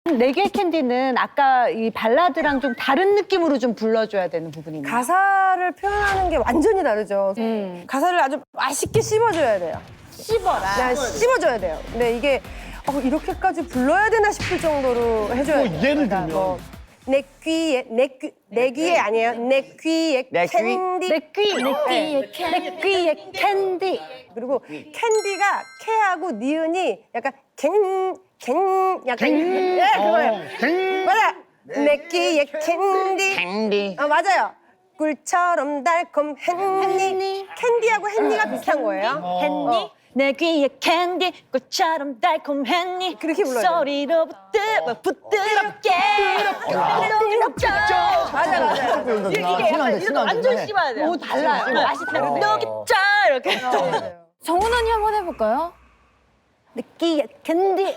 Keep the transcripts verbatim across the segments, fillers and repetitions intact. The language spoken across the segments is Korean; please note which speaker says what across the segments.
Speaker 1: 네 개의 캔디는 아까 이 발라드랑 좀 다른 느낌으로 좀 불러줘야 되는 부분이 있나요?
Speaker 2: 가사를 표현하는 게 완전히 다르죠.
Speaker 1: 음.
Speaker 2: 가사를 아주 맛있게 씹어줘야 돼요.
Speaker 1: 씹어라.
Speaker 2: 그냥 씹어줘야 돼요. 근데 이게 어, 이렇게까지 불러야 되나 싶을 정도로 해줘야 돼요.
Speaker 3: 뭐 예를
Speaker 2: 그러니까
Speaker 3: 들면?
Speaker 2: 뭐, 내 귀에, 내 귀, 내 귀에 아니에요. 내 귀에
Speaker 4: 내 귀?
Speaker 2: 캔디.
Speaker 1: 내 귀, 내 귀에 캔디. 내 귀에 캔디.
Speaker 2: 그리고 캔디가 캐하고 니은이 약간 갱, 갱, 약간
Speaker 3: 갱.
Speaker 2: 네, 그거예요.
Speaker 3: 어, 갱.
Speaker 2: 맞아. 내 귀에 캔디.
Speaker 4: 캔디.
Speaker 2: 아 맞아요. 꿀처럼 달콤했니. 캔디하고 햇니가 비슷한 거예요.
Speaker 1: 했니? 내 귀에 캔디 꽃처럼 달콤했니?
Speaker 2: 그렇게 불러요.
Speaker 1: 소리로 부드러, 부드럽게 부드럽죠.
Speaker 2: 맞아 맞아.
Speaker 1: 이게 약간 이렇게 완전 씹어야 돼요. 오 달라요. 맛이 다른데. 녹였죠 이렇게.
Speaker 5: 정훈 언니 한번 해볼까요?
Speaker 1: 내 귀에 캔디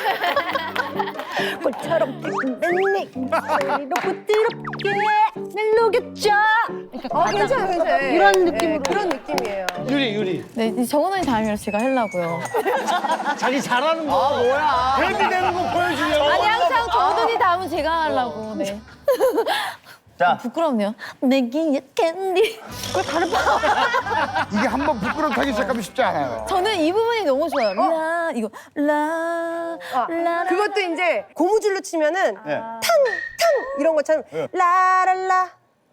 Speaker 1: 꽃처럼 달콤했니? 소리로 부드럽게 날 녹였죠.
Speaker 2: 어 괜찮아요 괜찮아요.
Speaker 1: 이런
Speaker 2: 네,
Speaker 1: 느낌으로.
Speaker 2: 그런 느낌이에요.
Speaker 3: 유리, 유리.
Speaker 5: 네, 이제 정훈 언니 다음이라 제가 하려고요.
Speaker 3: 자기 잘하는 거.
Speaker 4: 아 뭐야?
Speaker 3: 데뷔 되는 거 보여주려고.
Speaker 5: 아니 항상 정훈 언니 다음은 제가 하려고. 네.
Speaker 4: 자,
Speaker 5: 부끄럽네요. 내 귀에 캔디.
Speaker 6: 이게 한번 부끄럽게 시작하면 쉽지 않아요.
Speaker 5: 저는 이 부분이 너무 좋아요. 라 이거 라
Speaker 2: 아,
Speaker 5: 라.
Speaker 2: 그것도 이제 고무줄로 치면은
Speaker 4: 네.
Speaker 2: 탕탕 이런 것처럼 라랄라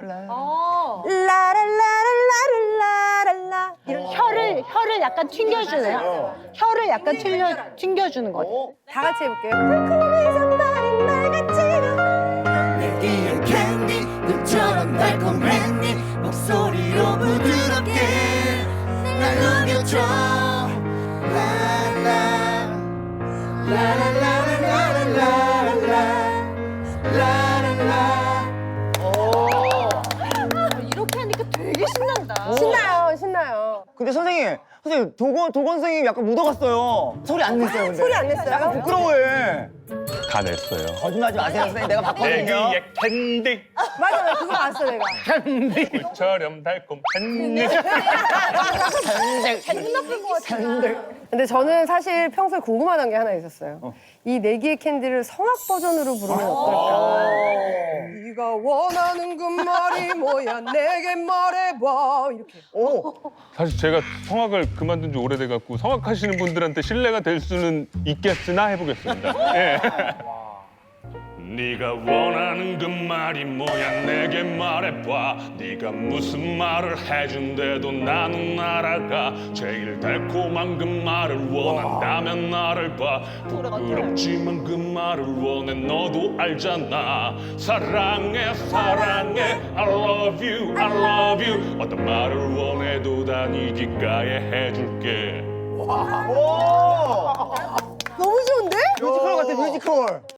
Speaker 2: 라랄라랄라랄라랄라 이런
Speaker 1: 혀를 혀를 약간 튕겨주네요. 혀를 약간 튕겨 튕겨주는 거.
Speaker 2: 다 같이 해볼게요. 달콤해서 말인 말같지가
Speaker 7: 내기에 캔디 눈처럼 달콤했니 목소리로 부드럽게 날 녹여줘 라라 라라라라라라라라 라라라
Speaker 1: 이렇게 하니까 되게 신난다.
Speaker 2: 신나요 신나요.
Speaker 4: 근데 선생님, 선생님 도건 도건 선생님 약간 묻어갔어요. 소리 안 냈어요, 근데.
Speaker 2: 소리 안 냈어요?
Speaker 4: 부끄러워해.
Speaker 8: 다 냈어요.
Speaker 4: 거짓말하지 마세요, 선생님. 내가
Speaker 8: 내
Speaker 4: 봤거든요.
Speaker 8: 귀에 캔디
Speaker 2: 맞아 맞아 그거 봤어 내가.
Speaker 8: 꽃처럼 달콤했니.
Speaker 2: 근데 저는 사실 평소에 궁금하던 게 하나 있었어요. 이 내기의 캔디를 성악 버전으로 부르면 어떨까? 네가 원하는 그 말이 뭐야 내게 말해봐 이렇게.
Speaker 4: 오,
Speaker 8: 사실 제가 성악을 그만둔 지 오래돼갖고 성악하시는 분들한테 신뢰가 될 수는 있겠으나 해보겠습니다. 예. 네가 원하는 그 말이 뭐야 내게 말해봐 네가 무슨 말을 해준대도 나는 알아가 제일 달콤한 그 말을 원한다면 나를 봐 부끄럽지만 그 말을 원해 너도 알잖아 사랑해 사랑해 I love you I love you 어떤 말을 원해도 다 네 귓가에 해줄게
Speaker 4: 오,
Speaker 2: 너무 좋은데?
Speaker 4: 뮤지컬 같아, 뮤지컬.